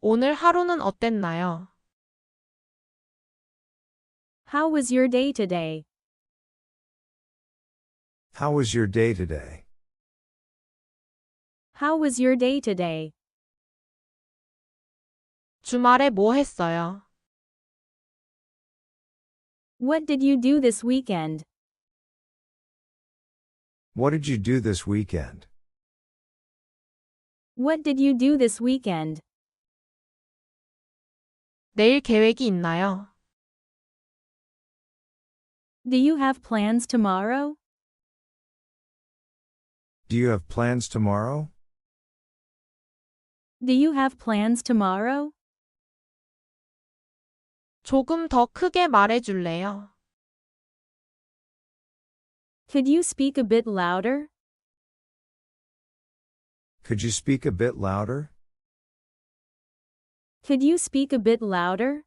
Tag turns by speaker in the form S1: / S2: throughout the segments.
S1: 오늘 하루는 어땠나요?
S2: How was your day today?
S3: How was your day today?
S2: How was your day today?
S1: 주말에 뭐 했어요?
S2: What did you do this weekend?
S3: What did you do this weekend?
S2: What did you do this weekend?
S1: 내일 계획이 있나요?
S2: Do you have plans tomorrow?
S3: Do you have plans tomorrow?
S2: Do you have plans tomorrow?
S1: 조금 더 크게 말해줄래요?
S2: Could you speak a bit louder?
S3: Could you speak a bit louder?
S2: Could you speak a bit louder?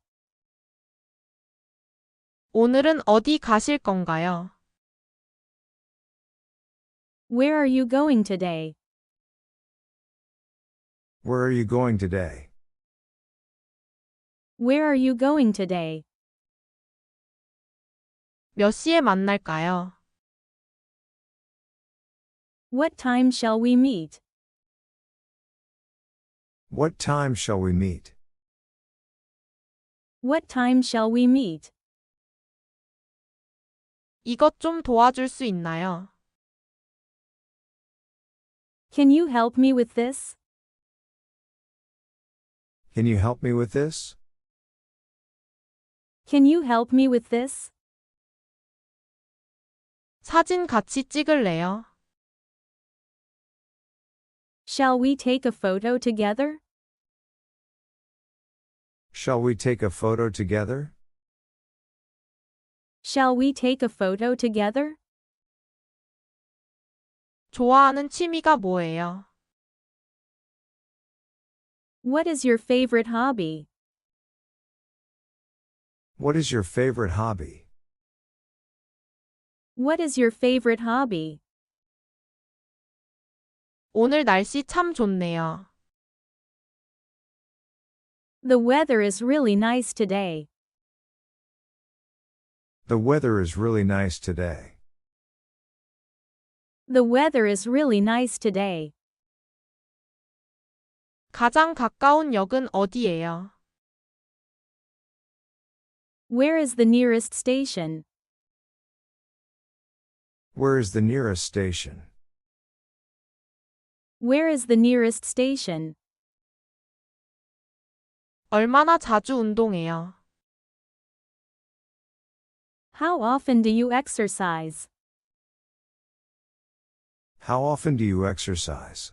S1: 오늘은 어디 가실 건가요?
S2: Where are you going today?
S3: Where are you going today?
S2: Where are you going today?
S1: 몇 시에 만날까요?
S2: What time shall we meet?
S3: What time shall we meet?
S2: What time shall we meet?
S1: 이것 좀 도와줄 수 있나요?
S2: Can you help me with this?
S3: Can you help me with this?
S2: Can you help me with this?
S1: 사진 같이 찍을래요?
S2: Shall we take a photo together?
S3: Shall we take a photo together?
S2: Shall we take a photo together?
S1: 좋아하는 취미가 뭐예요?
S2: What is your favorite hobby?
S3: What is your favorite hobby?
S2: What is your favorite hobby?
S1: 오늘 날씨 참 좋네요.
S2: The weather is really nice today.
S3: The weather is really nice today.
S2: The weather is really nice today.
S1: 가장 가까운 역은 어디예요?
S2: Where is the nearest station?
S3: Where is the nearest station?
S2: Where is the nearest station?
S1: 얼마나 자주 운동해요?
S2: How often do you exercise?
S3: How often do you exercise?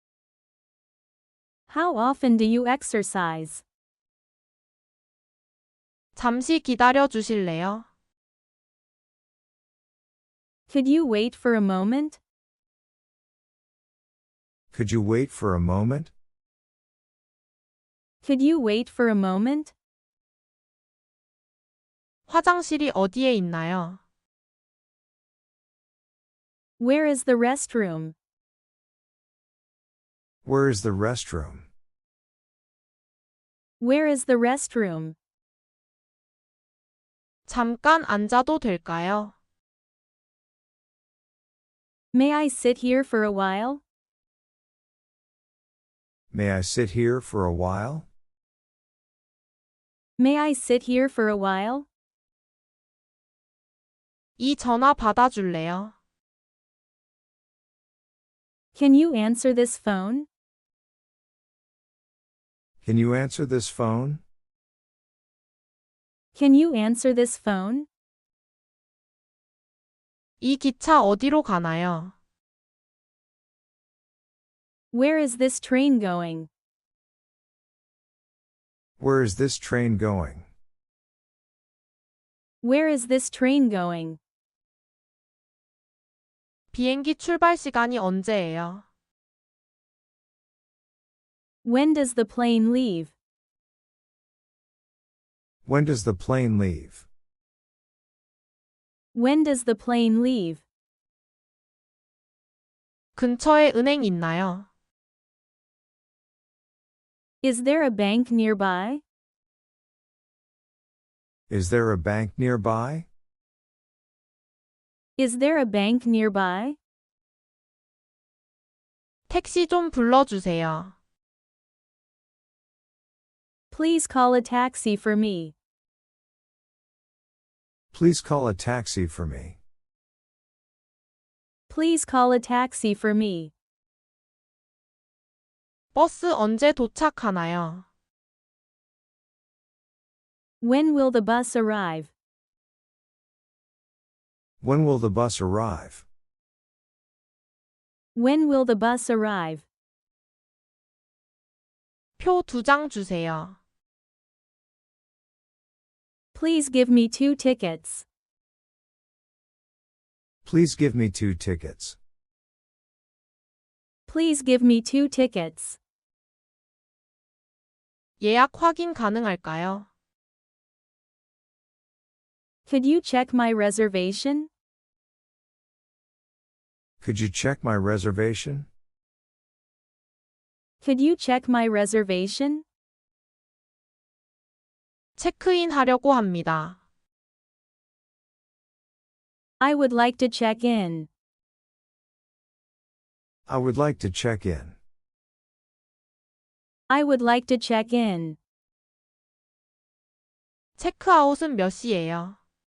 S2: How often do you exercise?
S1: 잠시 기다려 주실래요?
S2: Could you wait for a moment?
S3: Could you wait for a moment?
S2: Could you wait for a moment?
S1: 화장실이 어디에 있나요?
S2: Where is the restroom?
S3: Where is the restroom?
S2: Where is the restroom?
S1: 잠깐 앉아도 될까요?
S2: May I sit here for a while?
S3: May I sit here for a while?
S2: May I sit here for a while?
S1: 이 전화 받아줄래요?
S2: Can you answer this phone?
S3: Can you answer this phone?
S2: Can you answer this phone?
S1: 이 기차 어디로 가나요?
S2: Where is this train going?
S3: Where is this train going?
S2: Where is this train going?
S1: 비행기 출발 시간이 언제예요?
S2: When does the plane leave?
S3: When does the plane leave?
S2: When does the plane leave?
S1: 근처에 은행 있나요?
S2: Is there a bank nearby?
S3: Is there a bank nearby?
S2: Is there a bank nearby?
S1: 택시 좀 불러주세요.
S2: Please call a taxi for me.
S3: Please call a taxi for me.
S2: Please call a taxi for me.
S1: 버스 언제 도착하나요?
S2: When will the bus arrive?
S3: When will the bus arrive?
S2: When will the bus arrive?
S1: 표 2장 주세요.
S2: Please give me 2 tickets.
S3: Please give me 2 tickets.
S2: Please give me 2 tickets.
S1: 예약 확인 가능할까요?
S2: Could you check my reservation?
S3: Could you check my reservation?
S2: Could you check my reservation?
S1: 체크인 하려고 합니다.
S2: I would like to check in.
S3: I would like to check in.
S2: I would like to check in.
S1: 체크아웃은 몇 시예요?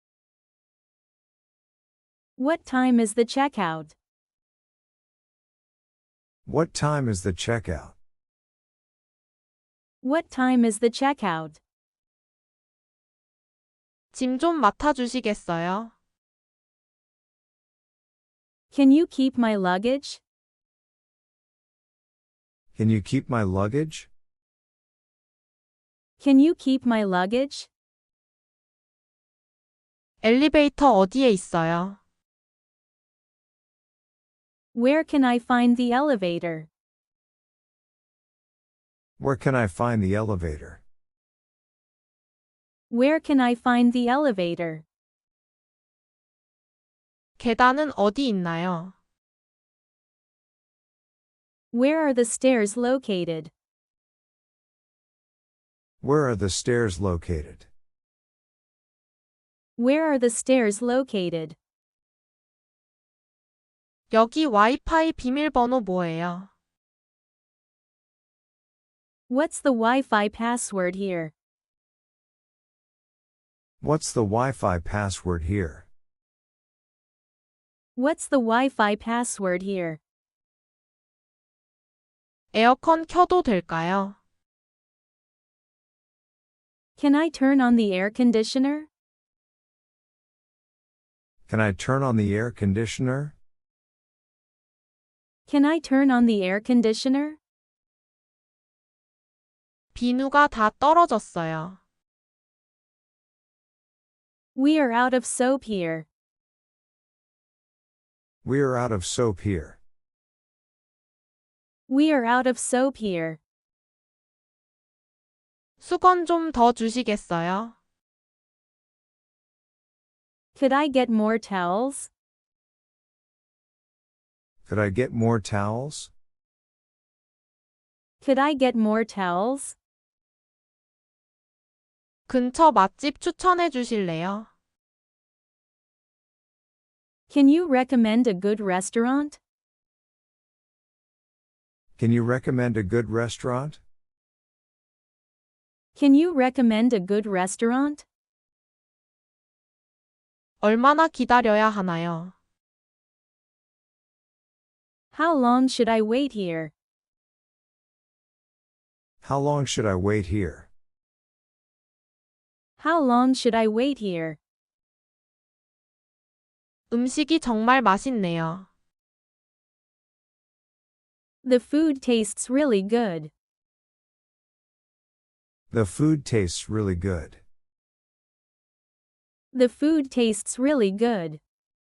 S2: What time is the checkout?
S3: What time is the checkout?
S2: What time is the checkout?
S1: 짐 좀 맡아주시겠어요?
S2: Can you keep my luggage?
S3: Can you keep my luggage?
S2: Can you keep my luggage?
S1: 엘리베이터 어디에 있어요?
S2: Where can I find the elevator?
S3: Where can I find the elevator?
S2: Where can I find the elevator?
S1: 계단은 어디 있나요?
S2: Where are the stairs located?
S3: Where are the stairs located?
S2: Where are the stairs located?
S1: 여기 와이파이 비밀번호 뭐예요?
S2: What's the Wi-Fi password here?
S3: What's the Wi-Fi password here?
S2: What's the Wi-Fi password here?
S1: 에어컨 켜도 될까요?
S2: Can I turn on the air conditioner?
S3: Can I turn on the air conditioner?
S2: Can I turn on the air conditioner?
S1: 비누가 다 떨어졌어요.
S2: We are out of soap here.
S3: We are out of soap here.
S2: We are out of soap here.
S1: 수건 좀 더 주시겠어요?
S2: Could I get more towels?
S3: Could I get more towels?
S2: Could I get more towels?
S1: 근처 맛집 추천해 주실래요?
S2: Can you recommend a good restaurant?
S3: Can you recommend a good restaurant?
S2: Can you recommend a good restaurant?
S1: 얼마나 기다려야 하나요?
S2: How long should I wait here?
S3: How long should I wait here?
S2: How long should I wait here?
S1: 음식이 정말 맛있네요.
S2: The food tastes really good.
S3: The food tastes really good.
S2: The food tastes really good.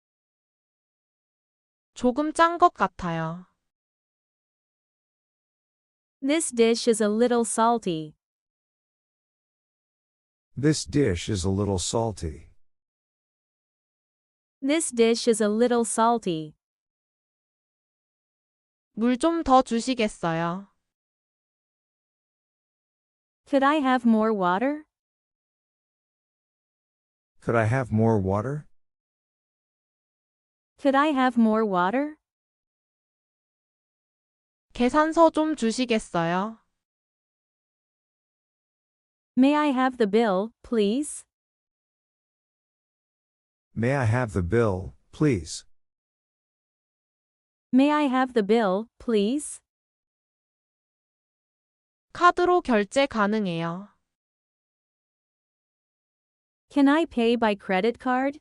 S1: 조금 짠 것 같아요.
S2: This dish is a little salty.
S3: This dish is a little salty.
S2: This dish is a little salty.
S1: 물 좀 더 주시겠어요?
S2: Could I have more water?
S3: Could I have more water?
S2: Could I have more water?
S1: 계산서 좀 주시겠어요?
S2: May I have the bill, please?
S3: May I have the bill, please?
S2: May I have the bill, please?
S1: 카드로 결제 가능해요.
S2: Can I pay by credit card?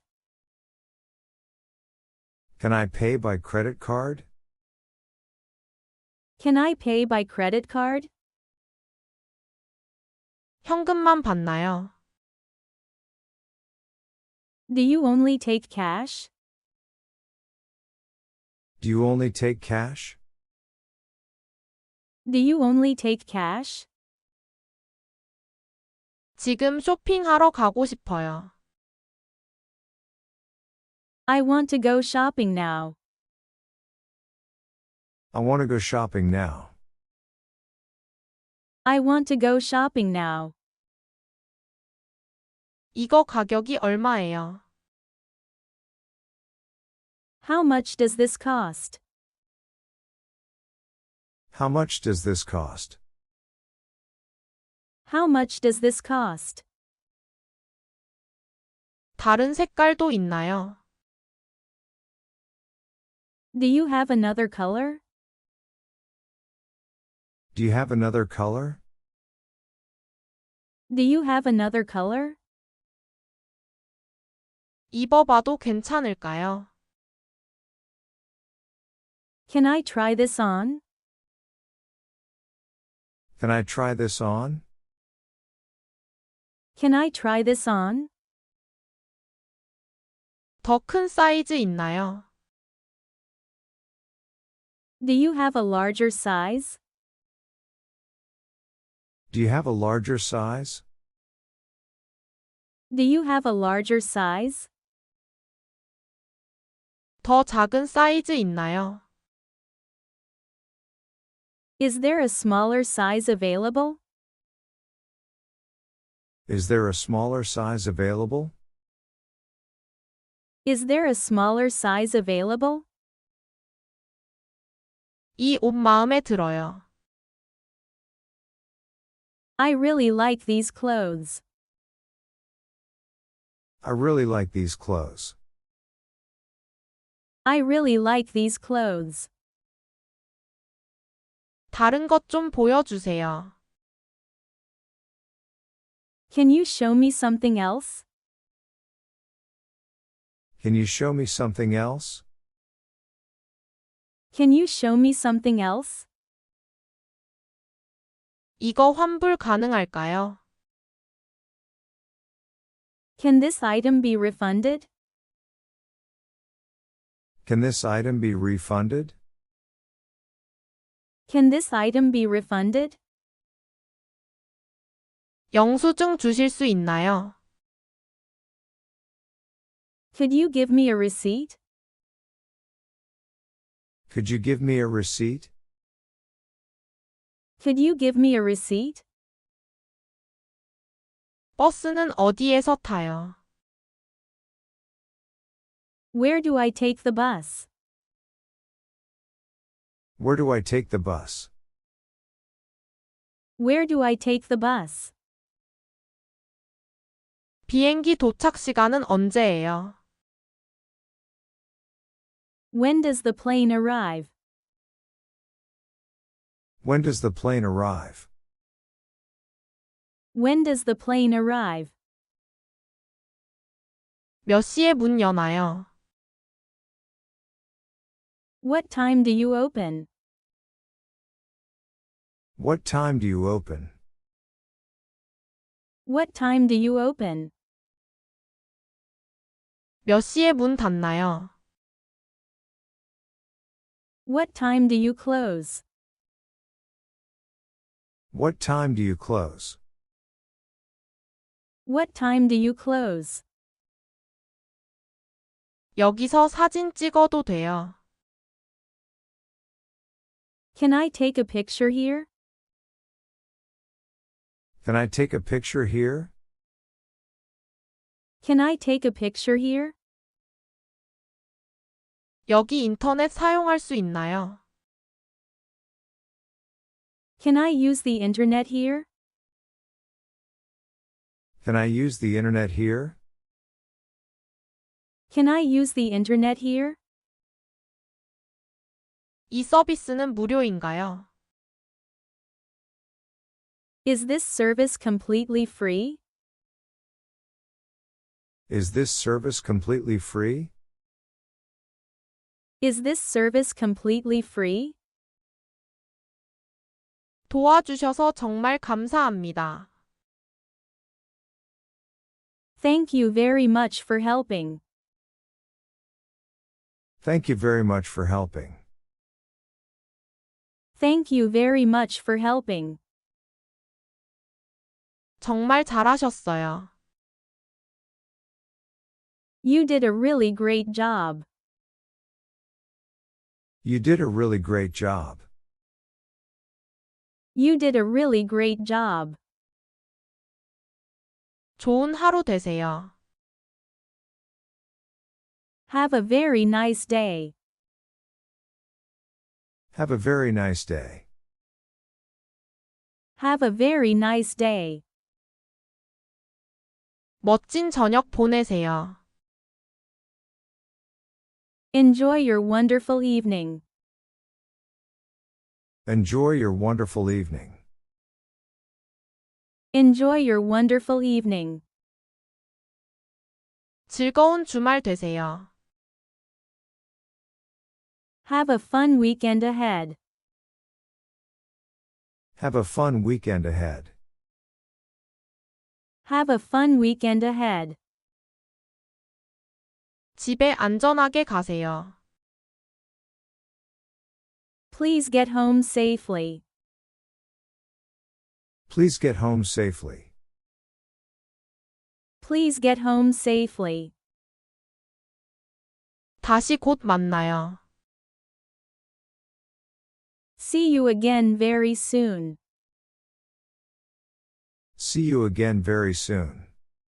S3: Can I pay by credit card?
S2: Can I pay by credit card?
S1: 현금만 받나요?
S2: Do you only take cash?
S3: Do you only take cash?
S2: Do you only take cash?
S1: 지금 쇼핑하러 가고 싶어요.
S2: I want to go shopping now.
S3: I want to go shopping now.
S2: I want to go shopping now.
S1: 이거 가격이 얼마예요?
S2: How much does this cost?
S3: How much does this cost?
S2: How much does this cost?
S1: 다른 색깔도 있나요?
S2: Do you have another color?
S3: Do you have another color?
S2: Do you have another color?
S1: 입어봐도 괜찮을까요?
S2: Can I try this on?
S3: Can I try this on?
S2: Can I try this on?
S1: 더 큰 사이즈 있나요?
S2: Do you have a larger size?
S3: Do you have a larger size?
S2: Do you have a larger size?
S1: 더 작은 사이즈 있나요?
S2: Is there a smaller size available?
S3: Is there a smaller size available?
S2: Is there a smaller size available?
S1: 이 옷 마음에 들어요.
S2: I really like these clothes.
S3: I really like these clothes.
S2: I really like these clothes.
S1: 다른 것 좀 보여주세요.
S2: Can you show me something else?
S3: Can you show me something else?
S2: Can you show me something else?
S1: 이거 환불 가능할까요?
S2: Can this item be refunded?
S3: Can this item be refunded?
S2: Can this item be refunded?
S1: 영수증 주실 수 있나요?
S2: Could you give me a receipt?
S3: Could you give me a receipt?
S2: Could you give me a receipt?
S1: 버스는 어디에서 타요?
S2: Where do I take the bus?
S3: Where do I take the bus?
S2: Where do I take the bus?
S1: 비행기 도착 시간은 언제예요?
S2: When does the plane arrive?
S3: When does the plane arrive?
S2: When does the plane arrive?
S1: 몇 시에 문 여나요?
S2: What time do you open?
S3: What time do you open?
S2: What time do you open?
S1: 몇 시에 문 닫나요?
S2: What time do you close?
S3: What time do you close?
S2: What time do you close?
S1: 여기서 사진 찍어도 돼요.
S2: Can I take a picture here?
S3: Can I take a picture here?
S2: Can I take a picture here?
S1: 여기 인터넷 사용할 수 있나요?
S2: Can I use the internet here?
S3: Can I use the internet here?
S2: Can I use the internet here?
S1: 이 서비스는 무료인가요?
S2: Is this service completely free?
S3: Is this service completely free?
S2: Is this service completely free?
S1: 도와주셔서 정말 감사합니다.
S2: Thank you very much for helping.
S3: Thank you very much for helping.
S2: Thank you very much for helping.
S1: 정말 잘하셨어요.
S2: You did a really great job.
S3: You did a really great job.
S2: You did a really great job.
S1: 좋은 하루 되세요.
S2: Have a very nice day.
S3: Have a very nice day.
S2: Have a very nice day.
S1: 멋진 저녁 보내세요.
S2: Enjoy your wonderful evening.
S3: Enjoy your wonderful evening.
S2: Enjoy your wonderful evening.
S1: 즐거운 주말 되세요.
S2: Have a fun weekend ahead.
S3: Have a fun weekend ahead.
S2: Have a fun weekend ahead.
S1: 집에 안전하게 가세요.
S2: Please get home safely.
S3: Please get home safely.
S2: Please get home safely.
S1: 다시 곧 만나요.
S2: See you again very soon.
S3: See you again very soon.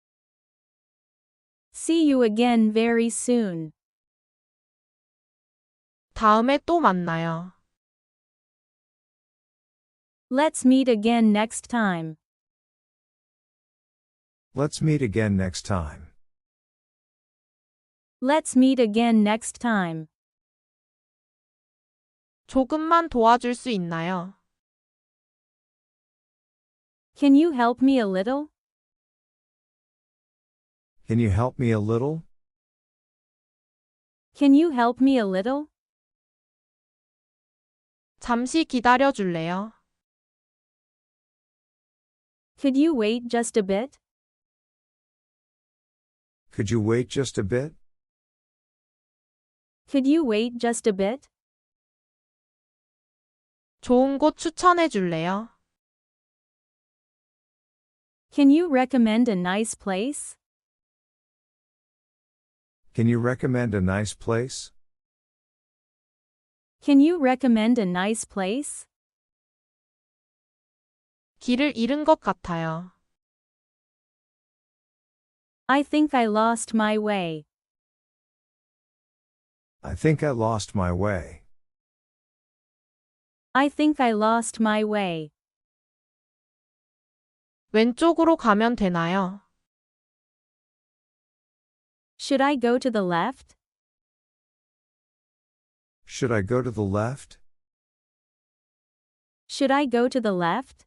S2: See you again very soon.
S1: 다음에 또 만나요.
S2: Let's meet again next time.
S3: Let's meet again next time.
S2: Let's meet again next time.
S1: 조금만 도와줄 수 있나요?
S2: Can you help me a little?
S3: Can you help me a little?
S2: Can you help me a little?
S1: 잠시 기다려 줄래요?
S2: Could you wait just a bit?
S3: Could you wait just a bit?
S2: Could you wait just a bit?
S1: 좋은 곳 추천해 줄래요?
S2: Can you recommend a nice place?
S3: Can you recommend a nice place?
S2: Can you recommend a nice place?
S1: 길을 잃은 것 같아요.
S2: I think I lost my way.
S3: I think I lost my way.
S2: I think I lost my way.
S1: 왼쪽으로 가면 되나요?
S2: Should I go to the left?
S3: Should I go to the left?
S2: Should I go to the left?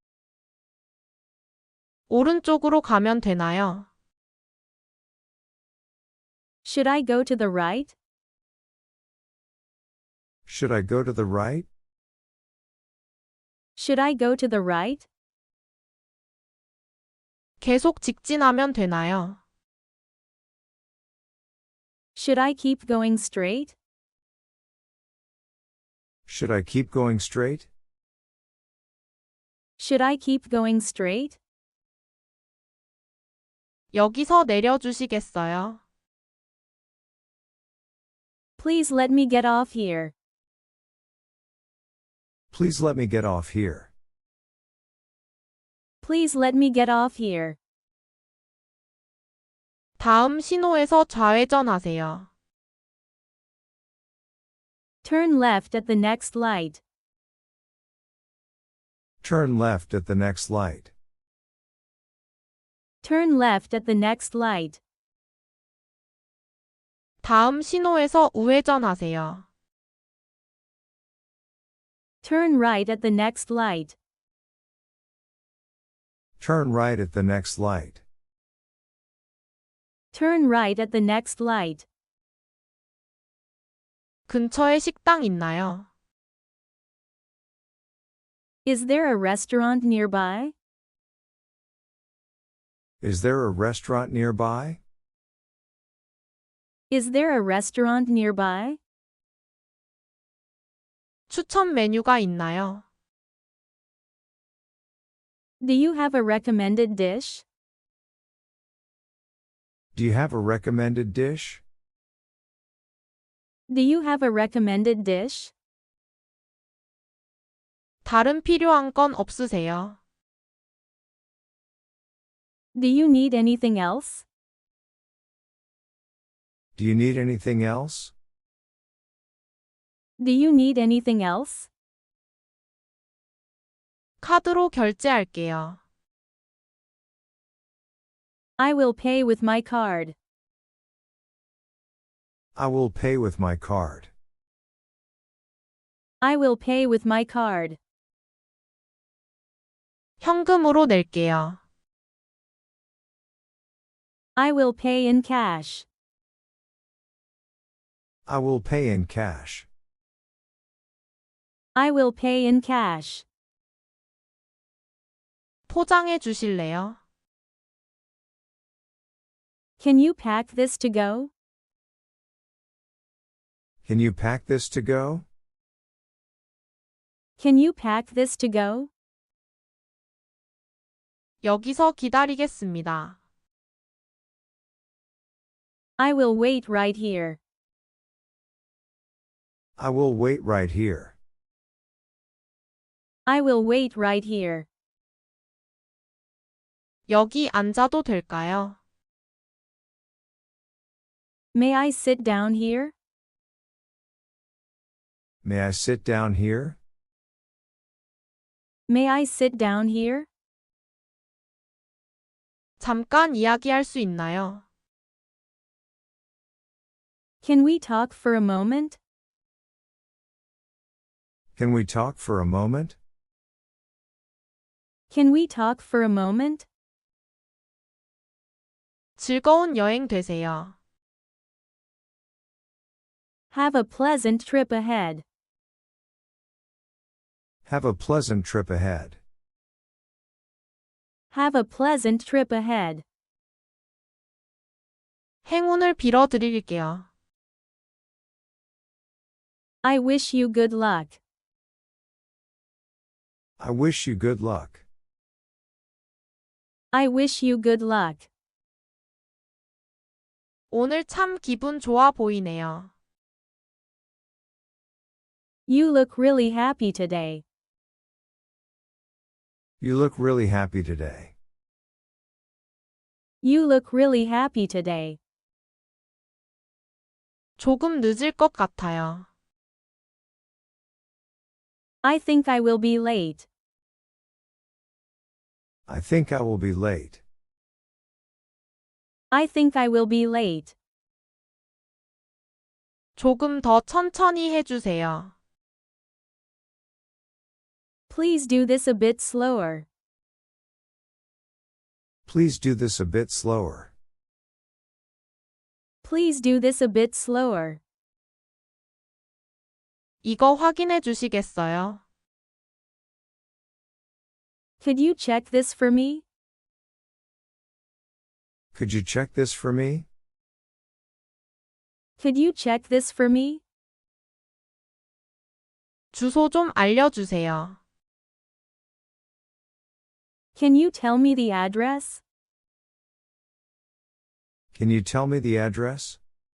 S1: 오른쪽으로 가면 되나요?
S2: Should I go to the right?
S3: Should I go to the right?
S2: Should I go to the right?
S1: 계속 직진하면 되나요?
S2: Should I keep going straight?
S3: Should I keep going straight?
S2: Should I keep going straight?
S1: 여기서 내려주시겠어요?
S2: Please let me get off here.
S3: Please let me get off here.
S2: Please let me get off here.
S1: 다음 신호에서 좌회전하세요.
S2: Turn left at the next light.
S3: Turn left at the next light.
S2: Turn left at the next light.
S1: 다음 신호에서 우회전하세요.
S2: Turn right at the next light.
S3: Turn right at the next light.
S2: Turn right at the next light.
S1: 근처에 식당 있나요?
S2: Is there a restaurant nearby?
S3: Is there a restaurant nearby?
S2: Is there a restaurant nearby?
S1: 추천 메뉴가 있나요?
S2: Do you have a recommended dish?
S3: Do you have a recommended dish?
S2: Do you have a recommended dish?
S1: 다른 필요한 건 없으세요?
S2: Do you need anything else?
S3: Do you need anything else?
S2: Do you need anything else?
S1: 카드로 결제할게요.
S2: I will pay with my card.
S3: I will pay with my card.
S2: I will pay with my card.
S1: 현금으로 낼게요.
S2: I will pay in cash.
S3: I will pay in cash.
S2: I will pay in cash.
S1: 포장해 주실래요?
S2: Can you pack this to go?
S3: Can you pack this to go?
S2: Can you pack this to go?
S1: 여기서 기다리겠습니다.
S2: I will wait right here.
S3: I will wait right here.
S2: I will wait right here.
S1: 여기 앉아도 될까요?
S2: May I sit down here?
S3: May I sit down here?
S2: May I sit down here?
S1: 잠깐 이야기할 수 있나요?
S2: Can we talk for a moment?
S3: Can we talk for a moment?
S2: Can we talk for a moment?
S1: 즐거운 여행 되세요.
S2: Have a pleasant trip ahead.
S3: Have a pleasant trip ahead.
S2: Have a pleasant trip ahead.
S1: 행운을 빌어드릴게요.
S2: I wish you good luck.
S3: I wish you good luck.
S2: I wish you good luck.
S1: 오늘 참 기분 좋아 보이네요.
S2: You look really happy today.
S3: You look really happy today.
S2: You look really happy today.
S1: 조금 늦을 것 같아요.
S2: I think I will be late.
S3: I think I will be late.
S2: I think I will be late.
S1: 조금 더 천천히 해주세요.
S2: Please do this a bit slower.
S3: Please do this a bit slower.
S2: Please do this a bit slower.
S1: 이거 확인해 주시겠어요?
S2: Could you check this for me?
S3: Could you check this for me?
S2: Could you check this for me?
S1: 주소 좀 알려주세요.
S2: Can you tell me the address?
S3: Can you tell me the address?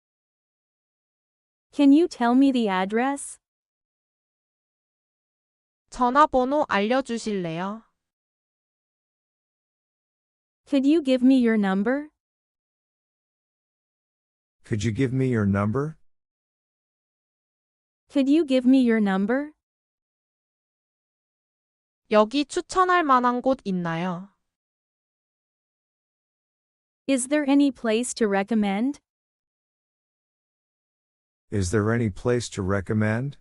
S2: Can you tell me the address?
S1: 전화번호 알려주실래요?
S2: Could you give me your number?
S3: Could you give me your number?
S2: Could you give me your number?
S1: 여기 추천할 만한 곳 있나요?
S2: Is there any place to recommend?
S3: Is there any place to recommend?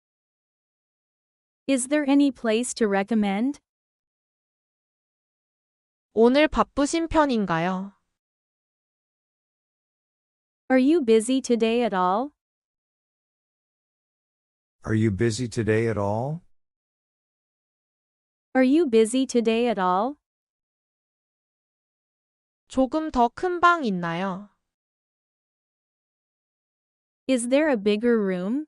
S2: Is there any place to recommend?
S1: 오늘 바쁘신 편인가요?
S2: Are you busy today at all?
S3: Are you busy today at all?
S2: Are you busy today at all?
S1: 조금 더 큰 방 있나요?
S2: Is there a bigger room?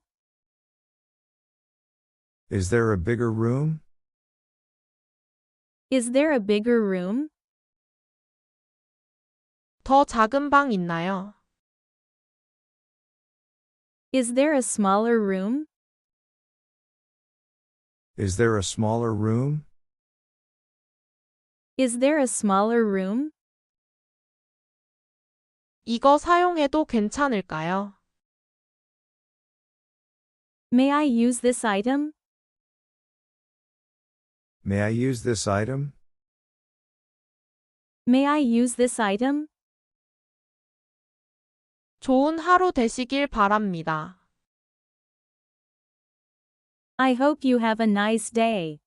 S3: Is there a bigger room?
S2: Is there a bigger room?
S1: 더 작은 방 있나요?
S2: Is there a smaller room?
S3: Is there a smaller room?
S2: Is there a smaller room?
S1: 이거 사용해도 괜찮을까요?
S2: May I use this item?
S3: May I use this item?
S2: May I use this item?
S1: 좋은 하루 되시길 바랍니다.
S2: I hope you have a nice day.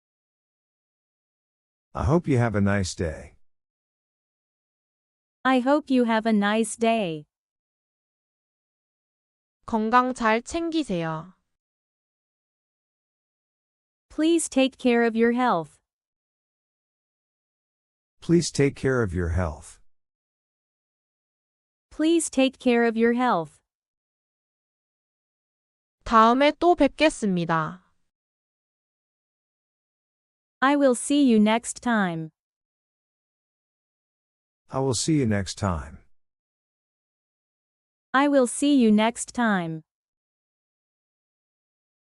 S3: I hope you have a nice day.
S2: I hope you have a nice day.
S1: 건강 잘 챙기세요.
S2: Please take care of your health.
S3: Please take care of your health.
S2: Please take care of your health.
S1: 다음에 또 뵙겠습니다.
S2: I will see you next time.
S3: I will see you next time.
S2: I will see you next time.